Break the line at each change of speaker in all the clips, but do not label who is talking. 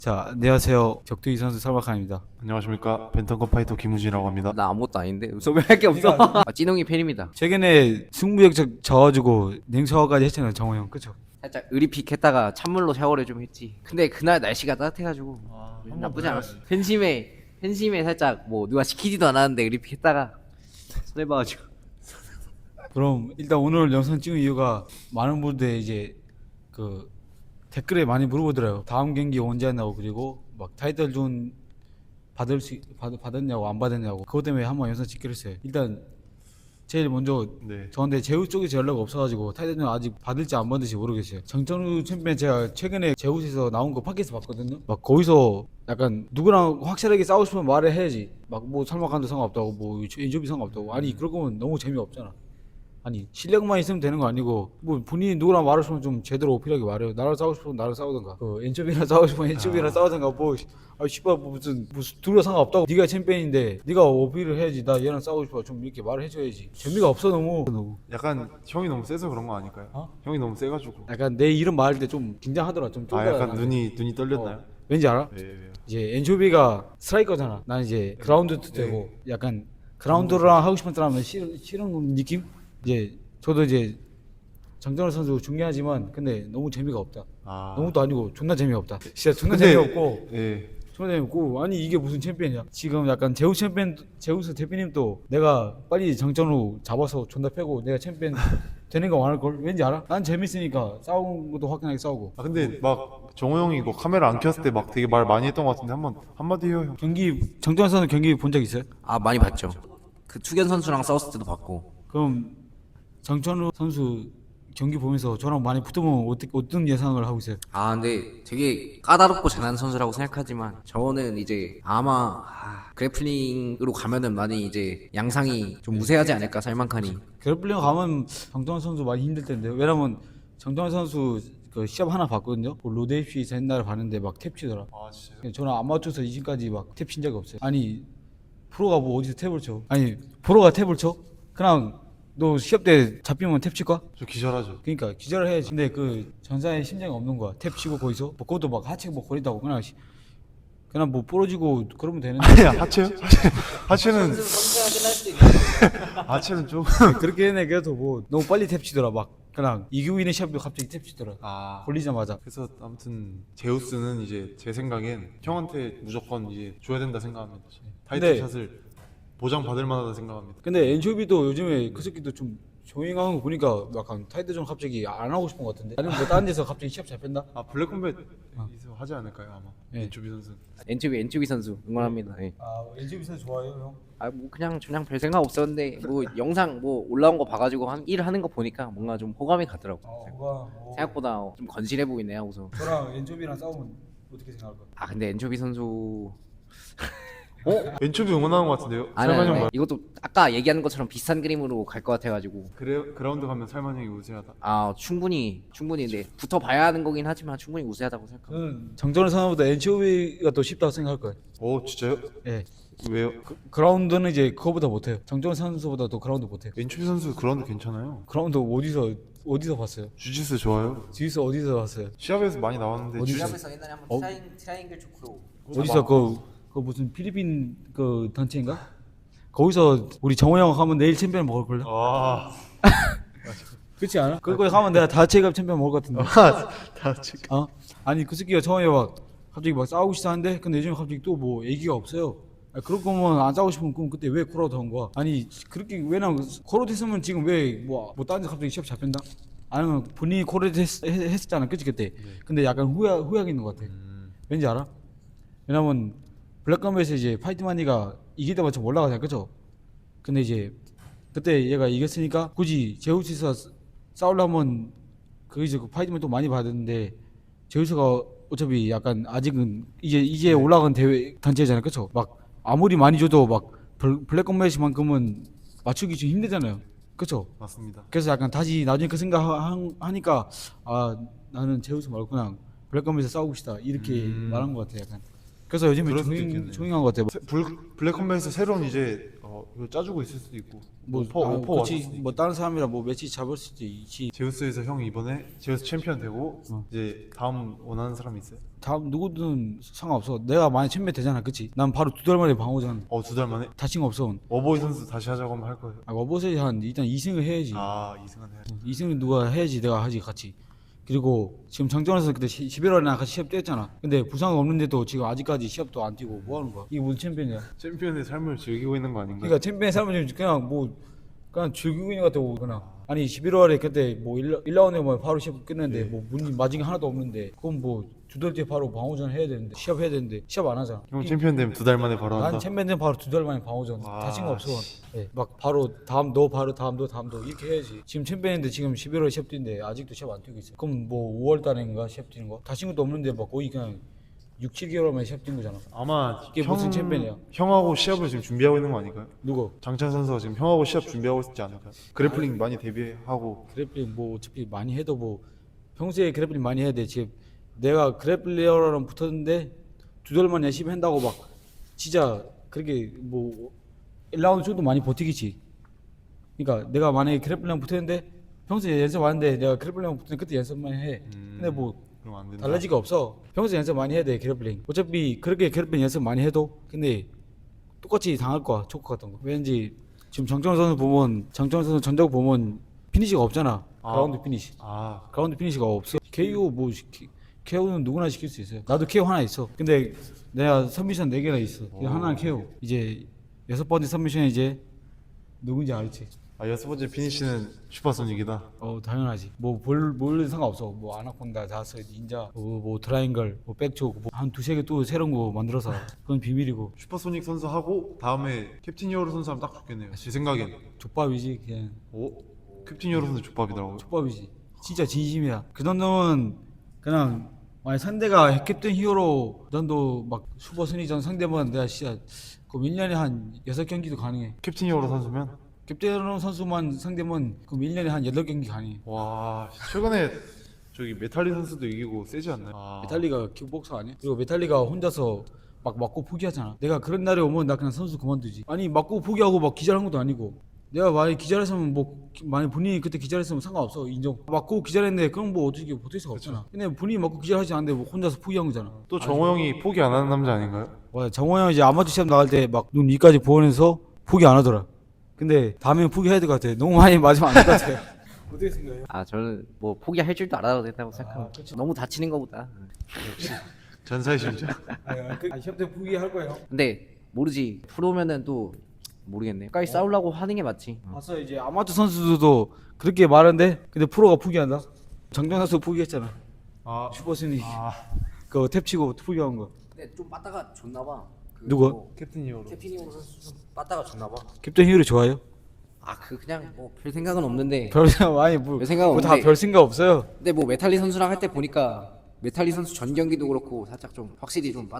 자, 안녕하세요. 격투기 선수 설박한입니다.
안녕하십니까, 벤턴급 파이터 김우진이라고 합니다.
나 아무것도 아닌데 소개할 게 없어. 찐홍이 팬입니다.
최근에 승부역적 져가지고 냉소화까지 했잖아요, 정호 형. 그쵸?
살짝 의리픽 했다가 찬물로 샤워를 좀 했지. 근데 그날 날씨가 따뜻해가지고 나쁘지 않았어. 팬심에 살짝 뭐 누가 시키지도 않았는데 의리픽 했다가 손해 봐가지고.
그럼 일단 오늘 영상 찍은 이유가 많은 분들 이제 그 댓글에 많이 물어보더라고요. 다음 경기 언제 하냐고, 그리고 막 타이틀 존 받았냐고 안 받았냐고. 그것 때문에 한번 영상 찍기로 했어요. 일단 제일 먼저
네.
저한테 제우 쪽에서 연락 없어가지고 타이틀존 아직 받을지 안 받을지 모르겠어요. 정천우 챔피언 제가 최근에 제우스에서 나온 거 팟캐스트 봤거든요. 막 거기서 약간 누구랑 확실하게 싸우고 싶으면 말을 해야지. 막 뭐 설마간도 상관없다고, 뭐 인조비 상관없다고. 아니 그럴 거면 너무 재미없잖아. 아니 실력만 있으면 되는 거 아니고 뭐 본인이 누구랑 말을 싶으면 좀 제대로 어필하게 말해요. 나랑 싸우고 싶으면 나랑 싸우든가, 엔초비랑 싸우고 싶으면 엔초비랑 싸우든가. 뭐 씨발 뭐 무슨 둘다 상관없다고. 네가 챔피언인데 네가 어필을 해야지. 나 얘랑 싸우고 싶어 좀 이렇게 말을 해줘야지. 재미가 없어 너무.
약간 형이 너무 세서 그런 거 아닐까요? 형이 너무 세가지고.
약간 내 이름 말할 때 좀 긴장하더라. 좀 쫄더라.
약간 눈이 떨렸나요?
왠지 알아?
네, 왜요?
이제 엔초비가 스트라이커잖아. 난 이제 그라운드 되고 약간 그라운드랑 하고 싶은 사람은 싫은 느낌? 이제 저도 이제 장정호 선수 중요하지만 근데 너무 재미가 없다. 너무도 아니고 존나 재미없다. 진짜 존나 재미없고.
예.
존나 재미없고. 아니 이게 무슨 챔피언이야? 지금 약간 제우스 대표님도 내가 빨리 장정호 잡아서 존나 패고 내가 챔피언 되는 거 원할 걸. 왠지 알아? 난 재밌으니까 싸우는 것도 화끈하게 싸우고.
근데 막 정호 형이 이거 카메라 안 켰을 때 막 되게 말 많이 했던 것 같은데 한마디 해요, 형.
장정호 선수 경기 본 적 있어요?
아 많이 봤죠. 그 투견 선수랑 싸웠을 때도 봤고.
그럼 장천우 선수 경기 보면서 저랑 많이 붙으면 어떤 예상을 하고 있어요?
아 근데 되게 까다롭고 잘하는 선수라고 생각하지만 저는 이제 아마 그래플링으로 가면은 많이 이제 양상이 좀 우세하지 않을까 살만카니.
그래플링 가면 장정호 선수 많이 힘들 텐데. 왜냐면 장정호 선수 그 시합 하나 봤거든요. 그 로데이피에서 옛날에 봤는데 막 탭 치더라.
진짜요?
저는 아마추어에서 이진까지 막 탭 친 적이 없어요. 아니 프로가 뭐 어디서 탭을 쳐? 아니 프로가 탭을 쳐? 그냥 너 시합 때 잡히면 탭 칠까?
저 기절하죠.
그러니까 기절을 해야지. 근데 그 전사의 심장이 없는 거야. 탭 치고 거기서 뭐 그것도 막 하체 뭐 거리다고 그냥 뭐 부러지고 그러면 되는데.
아니야, 하체요? 하체는 하체는 좀.
그렇게 해내. 그래도 뭐 너무 빨리 탭 치더라. 막 그냥 이규인의 시합도 갑자기 탭 치더라. 걸리자마자.
그래서 아무튼 제우스는 이제 제 생각엔 형한테 무조건 이제 줘야 된다 생각합니다. 타이틀
근데-
샷을 보장 받을 만하다 생각합니다.
근데 엔쇼비도 요즘에 그 새끼도 좀 조용한 거 보니까 약간 타이틀전 갑자기 안 하고 싶은 것 같은데. 아니면 뭐 다른 데서 갑자기 시합 잡힌다?
블랙컴뱃 하지 않을까요, 아마?
네.
조비 선수.
엔초비 선수 응원합니다. 예.
엔쇼비 선수 좋아해요 형?
뭐 그냥 별 생각 없었는데 뭐 영상 뭐 올라온 거 봐가지고 한 일 하는 거 보니까 뭔가 좀 호감이 가더라고. 생각보다 좀 건실해 보이네 하고서.
저랑 엔쇼비랑 싸우면 어떻게 생각할 거야?
근데 엔초비 선수
엔초비 응원하는 것 같은데요?
아니,
살만 형
아니,
말.
이것도 아까 얘기하는 것처럼 비슷한 그림으로 갈 것 같아가지고
그라운드 가면 살만 형이 우세하다.
충분히 근데 붙어 봐야 하는 거긴 하지만 충분히 우세하다고 생각합니다.
저는 정전을 선호보다 엔쇼비가 더 쉽다고 생각할 거예요.
오, 진짜요?
예.
왜요?
그라운드는 이제 그거보다 못해요. 정전 선수보다 더 그라운드 못해요.
엔초비 선수 그라운드 괜찮아요.
그라운드 어디서 봤어요?
주짓수 좋아요.
지휘스 어디서 봤어요?
시합에서 많이 나왔는데
어디서?
주짓수
옛날에 한번 트라이앵글 초크로
어디서 그 무슨 필리핀 그 단체인가? 거기서 우리 정호 형 하면 내일 챔피언 먹을 걸요? 그렇지 않아? 그거에 가면 내가 다체급 챔피언 먹을 것 같은데.
다 지금.
아니 그 새끼가 처음에 막 갑자기 막 싸우고 싶다 하는데 근데 요즘 갑자기 또 뭐 얘기가 없어요. 그럴 거면 안 싸우고 싶으면 그럼 그때 왜 코라우드 한 거야? 아니 그렇게 왜냐면 코라우드 했으면 지금 왜 뭐 다른 데 갑자기 시합 잡힌다? 아니면 본인이 코라우드 했었잖아, 그치 그때. 근데 약간 후회하게 있는 것 같아. 왠지 알아? 왜냐면 블랙컴뱃에서 이제 파이트마니가 이길 때마다 좀 올라가잖아, 그죠? 근데 이제 그때 얘가 이겼으니까 굳이 제우스에서 싸우려면 그 이제 그 파이트만 또 많이 받았는데 제우스가 어차피 약간 아직은 이제 올라간 대회 단체잖아요, 그쵸? 막 아무리 많이 줘도 막 블랙컴뱃만큼은 맞추기 좀 힘들잖아요, 그쵸?
맞습니다.
그래서 약간 다시 나중에 그 생각 하니까 나는 제우스 말고 그냥 블랙컴뱃에서 싸우고 싶다 이렇게 말한 것 같아. 약간 그래서 요즘에
그럴 수도 있겠네요.
조용한 것 같아.
블랙컴뱃에서 새로운 이제 이거 짜주고 있을 수도 있고
뭐
오퍼 왔을
그치
수도
뭐 다른 사람이랑 뭐 매치 잡을 수도 있지.
제우스에서 형이 이번에 제우스 챔피언 되고
어.
이제 다음 원하는 사람이 있어요?
다음 누구든 상관없어. 내가 만약 챔피언 되잖아, 그치? 난 바로 2달 만에 방어전.
2달 만에?
다친 거 없어.
어버이 선수 다시 하자고 하면 할 거예요.
어버스에 한 일단 2승을 해야지.
아 이승환 해야 돼.
2승을 누가 해야지 내가 하지 같이. 그리고 지금 장정에서 그때 11월에 나 같이 시합 뛰었잖아. 근데 부상 없는데도 지금 아직까지 시합도 안 뛰고 뭐 하는 거야? 이게 무슨 챔피언이야?
챔피언의 삶을 즐기고 있는 거 아닌가요?
그러니까 챔피언 사람은 지금 그냥 뭐 그냥 즐기고 있는 것 같고 그냥. 아니 11월에 그때 뭐 1라운드에 뭐 바로 시합 끝냈는데 뭐 문이 맞은 게 하나도 없는데 그럼 뭐 2달 뒤에 바로 방어전 해야 되는데 시합 해야 되는데 시합 안 하잖아.
형 챔피언 되면 2달 만에 바로 한다?
난 챔피언 되면 바로 2달 만에 방어전.
와,
다친 거 없어. 예, 막 바로 다음 너 바로 다음 너 이렇게 해야지. 지금 챔피언인데 지금 11월에 시합 뛰는데 아직도 시합 안 뛰고 있어. 그럼 뭐 5월 달인가 시합 뛰는 거? 다친 것도 없는데 막 거의 그냥 6, 7개월 만에 시합 뛴 거잖아.
아마
이게 무슨 챔피언이야?
형하고 시합을 지금 준비하고 있는 거 아닐까요?
누구?
장찬 선수가 지금 형하고 시합 준비하고 있지 않을까요? 그래플링 많이 데뷔하고
그래플링 뭐 어차피 많이 해도 뭐 평소에 그래플링 많이 해야 돼. 지금 내가 그래플러랑 붙었는데 2달 만에 열심히 한다고 막 진짜 그렇게 뭐 1라운드 정도 많이 버티겠지. 그러니까 내가 만약에 그래플러랑 붙었는데 평소에 연습 안 하는데 내가 그래플러랑 붙으면 그때 연습만 해. 근데 뭐
그럼 안 된다.
달라질 거 없어. 평소에 연습 많이 해야 돼 그래플링. 어차피 그렇게 그래플링 연습 많이 해도 근데 똑같이 당할 거야 초크 같은 거. 왠지 지금 정정 선수 보면 정정 선수 전적 보면 피니시가 없잖아. 그라운드 피니시.
아
그라운드 피니시가 없어. KO 뭐 KO는 누구나 시킬 수 있어요. 나도 KO 하나 있어. 근데 내가 서미션 4개나 있어. 하나는 KO. 이제 6번째 서미션에 이제 누군지 알지?
6번째 피니시는 슈퍼소닉이다.
당연하지. 뭘 상관없어. 뭐 아나콘다, 자스, 닌자, 뭐 트라이앵글, 뭐 백초, 뭐한 2-3개 또 새로운 거 만들어서 그건 비밀이고.
슈퍼소닉 선수 하고 다음에 캡틴 히어로 선수 하면 딱 좋겠네요. 제 생각엔.
족밥이지 그냥.
캡틴 히어로 선수 족밥이더라고요.
족밥이지. 진짜 진심이야. 그 정도면 그냥 만약 상대가 캡틴 히어로 그 정도 막 슈퍼 순위전 상대면 내가 진짜 그 1년에 한 6경기도 가능해.
캡틴 히어로 선수면?
캡틴 선수만 상대면 그럼 1년에 한 8경기 가능해.
와 최근에 저기 메탈리 선수도 이기고 세지 않나요?
메탈리가 킥복서 아니야? 그리고 메탈리가 혼자서 막 맞고 포기하잖아. 내가 그런 날이 오면 나 그냥 선수 그만두지. 아니 맞고 포기하고 막 기절한 것도 아니고. 내가 만약 기절했으면 뭐 만약 본인이 그때 기절했으면 상관없어 인정. 맞고 기절했는데 그럼 뭐 어떻게 버틸 수가 없잖아. 근데 본인이 맞고 기절하지 않는데 뭐 혼자서 포기한 거잖아.
또 정호 형이 포기 안 하는 남자 아닌가요?
맞아. 정호 형 이제 아마추어 시합 나갈 때 막 눈 위까지 보면서 포기 안 하더라. 근데 다음엔 포기해야 될 것 같아. 너무 많이 맞으면 안 될 것 같아. 어떻게 생각해요?
저는 뭐 포기할 줄도 알아도 된다고 생각합니다. 너무 다치는 거보다.
전사의 심장.
시합 때 포기할 거예요.
근데 모르지. 프로면은 또 모르겠네. 끝까지 싸우려고 하는 게 맞지.
봤어 이제 아마추어 선수들도 그렇게 말하는데 근데 프로가 포기한다. 장정 선수 포기했잖아. 슈퍼스니 그거 탭 치고 포기한 거.
근데 좀 빠따가 좋나 봐.
누가?
캡틴 히어로.
캡틴 히어로 선수 좀 빠따가 좋나 봐.
캡틴 히어로 좋아요?
그냥 뭐 별 생각은 없는데.
별 생각 많이
별 생각
다
없는데.
별 생각 없어요.
근데 뭐 메탈리 선수랑 할 때 보니까 메탈리 선수 전 경기도 그렇고 살짝 좀 확실히 좀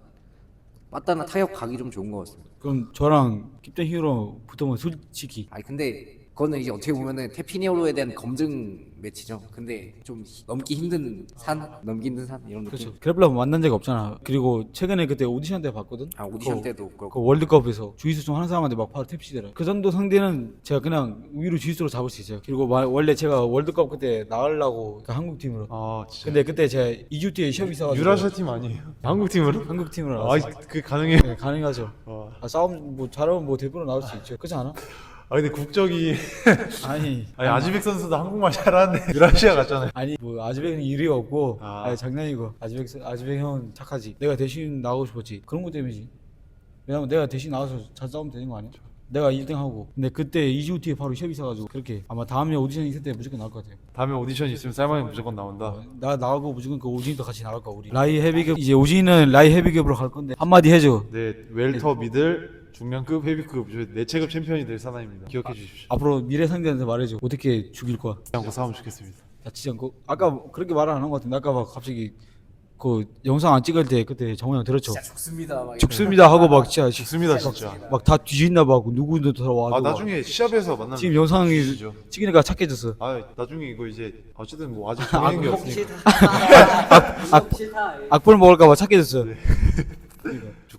빠따나 타격 각이 좀 좋은 것 같습니다.
그럼 저랑 캡틴 히어로 붙으면 솔직히
근데 그거는 이제 어떻게 보면은 테피니오로에 대한 검증 매치죠. 근데 좀 넘기 힘든 산 이런 느낌.
그렇죠. 그래플러 만난 적 없잖아. 그리고 최근에 그때 오디션 때 봤거든.
오디션 때도
그
그렇고.
월드컵에서 주짓수 중 하는 사람한테 막 바로 탭치더라. 그 정도 상대는 제가 그냥 위로 주짓수로 잡을 수 있어요. 그리고 원래 제가 월드컵 그때 나가려고 그 한국 팀으로.
진짜.
근데 그때 제가 2주 뒤에 시합이 있어가지고
유라시아 팀 아니에요? 한국 팀으로?
한국 팀으로 나왔어.
그게 가능해요?
네, 가능하죠. 싸움 뭐 잘하면 뭐 대표로 나올 수 있죠. 그렇지 않아?
근데 국적이
아니
아지백 선수도 한국말 잘하는데 유라시아 갔잖아요.
아니 뭐 아즈백은 일이 없고
아.
장난이고 아즈백 형 착하지. 내가 대신 나가고 싶었지. 그런 거 때문이지. 왜냐면 내가 대신 나가서 잘 싸우면 되는 거 아니야? 내가 1등 하고. 근데 그때 2주 뒤에 바로 시합이 있어가지고 그렇게 아마 다음에 오디션 있을 때 무조건 나올 것 같아요.
다음에 오디션 있으면 쌀만이 무조건 나온다.
나 나가고 무조건 그 오진이도 같이 나갈 거야 우리. 라이 헤비급 이제 오진이는 라이 헤비급으로 갈 건데 한마디 해줘.
네, 웰터 미들 중량급 헤비급 내체급 챔피언이 될 사나입니다. 기억해 주십시오.
앞으로 미래 상대한테 말해줘. 어떻게 죽일 거야?
않고 싸우면 좋겠습니다.
다치지 않고. 아까 그렇게 말을 안 한 것 같은데 아까 막 갑자기 그 영상 안 찍을 때 그때 정우 형 들었죠?
죽습니다. 막
죽습니다 하고 막 진짜
죽습니다 진짜.
막 다 뒤진다 막 누구도 들어와.
나중에 시합에서 만나면
지금 영상이
주시죠.
찍으니까 착해졌어.
나중에 이거 이제 어쨌든 뭐 아직 정해진 게 없으니까.
악플 먹을까봐 착해졌어.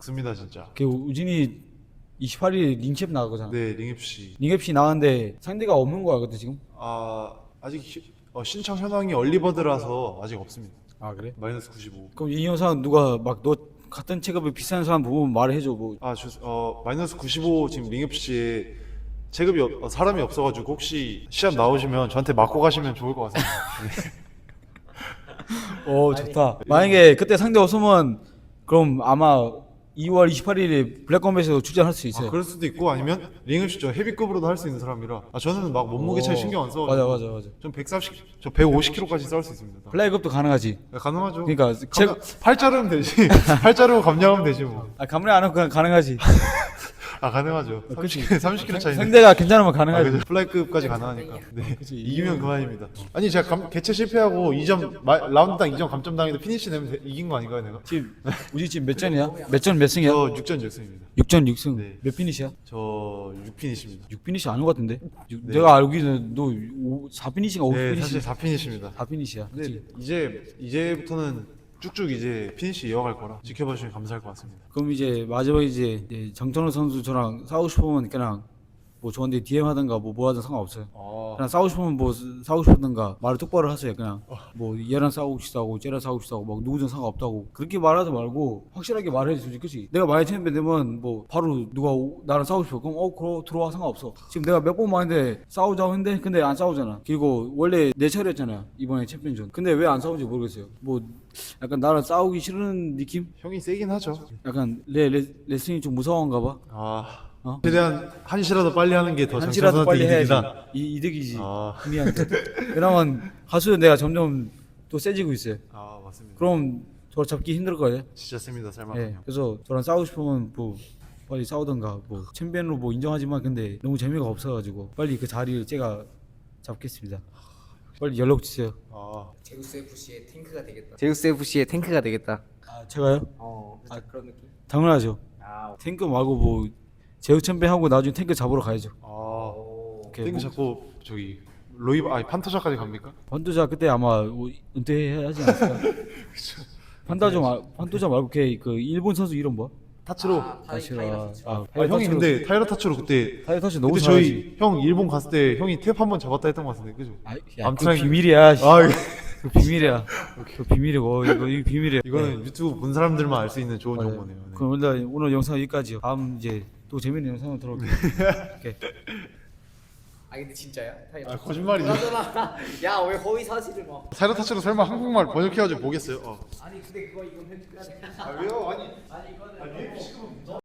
적습니다 진짜.
그 우진이 28일 링캡 나가거잖아.
네, 링FC.
링캡시 나가는데 상대가 없는 거야 그때 지금?
아직 신청 현황이 얼리버드라서 아직 없습니다.
아 그래?
마이너스 95.
그럼 이 영상 누가 막 너 같은 체급이 비싼 사람 보면 말해줘 뭐.
마이너스 95 지금 링FC에 체급이 사람이 없어가지고 혹시 시합 나오시면 저한테 맞고 가시면 좋을 것 같습니다.
좋다. 만약에 그때 상대 없으면 그럼 아마 2월 28일에 블랙컴뱃에서 출전할 수 있어요.
그럴 수도 있고 아니면 링FC 저 헤비급으로도 할 수 있는 사람이라 저는 막 몸무게 차이 신경 안 써가지고
맞아.
전 150kg까지 싸울 수 있습니다.
플라이급도 가능하지.
네, 가능하죠.
그러니까
팔 자르면 되지. 팔 자르고 감량하면 되지 뭐.
감리 안 하고 그냥 가능하지.
가능하죠.
그치.
30kg 차이.
상대가 괜찮으면 가능하지.
플라이급까지 가능하니까. 네.
그치.
이기면 그만입니다. 아니 제가 개최 실패하고 2점 라운드당 2점 감점 당해도 피니시 내면 이긴 거 아닌가요, 내가?
지금 우리 지금 몇 전이야? 몇 전 몇 승이야?
저 6전 6승입니다.
6전 6승.
네.
몇 피니시야?
저 6피니시입니다.
6피니시 아닌 것 같은데? 내가 알기로는 너 4피니시가 5피니시.
네, 사실 4피니시입니다.
4피니시야.
근데 이제부터는 쭉쭉 이제 피니시 이어갈 거라 지켜봐 주시면 감사할 것 같습니다.
그럼 이제 마지막에 이제 정천호 선수 저랑 싸우고 싶으면 그냥 뭐 저한테 DM 하든가 뭐 하든 상관없어요. 그냥 싸우고 싶으면 뭐 싸우고 싶든가 말을 똑바로 하세요. 그냥 뭐 얘랑 싸우고 싶다고 쟤랑 싸우고 싶다고 막 누구든 상관없다고 그렇게 말하지 말고 확실하게 말해주지. 그치? 내가 많이 챔피언 되면 뭐 바로 누가 나랑 싸우고 싶어 그럼 그럼 들어와 상관없어. 지금 내가 몇 번 말했는데 싸우자고 했는데 근데 안 싸우잖아. 그리고 원래 내 차례였잖아 이번에 챔피언전. 근데 왜 안 싸우는지 모르겠어요. 뭐 약간 나랑 싸우기 싫은 느낌?
형이 세긴 하죠.
약간 레슬링이 좀 무서운가 봐.
최대한 한시라도 빨리 하는 게 더
한시라도 빨리 해야지.
이득이다.
이득이지. 미안해. 왜냐면 하수는 내가 점점 또 세지고 있어요.
맞습니다.
그럼 저 잡기 힘들 거예요.
진짜 셉니다, 살만.
예. 그래서 저랑 싸우고 싶으면 뭐 빨리 싸우던가 뭐 챔피언으로 뭐 인정하지만 근데 너무 재미가 없어가지고 빨리 그 자리를 제가 잡겠습니다. 빨리 연락 주세요.
제우스 FC의 탱크가 되겠다. 제우스 FC의 탱크가 되겠다.
제가요?
그런 느낌.
당연하죠. 탱크 말고 뭐 제우 챔피언 하고 나중에 탱크 잡으러 가야죠. 오케이.
땡그 잡고 저기 판토자까지 갑니까?
판도자 그때 아마 은퇴하지 않았을까? 판도자 말고 걔그 일본 선수 이름 뭐야?
타츠로.
타이라.
형이 근데 타이러 타츠로 그때
타이라 타치 너무
그때
잘하지.
저희 형 일본 갔을 때 형이 탭 한 번 잡았다 했던 것 같은데 그죠?
그
아무튼
비밀이야. 씨.
이거-
그 비밀이야. 그 비밀이고 이거 비밀이야.
이거는 유튜브 본 사람들만 알 수 있는 좋은
맞아요.
정보네요. 네.
그럼 오늘 영상 여기까지요. 다음 이제 또 재밌는 영상으로 돌아올게요. 오케이.
근데 진짜야?
거짓말이죠.
야 왜 허위 사실을 막.
타이러 타츠로 설마 한국말 번역해가지고 보겠어요?
아니 근데 이건 편집해야 돼.
왜요? 아니
아니 이거는.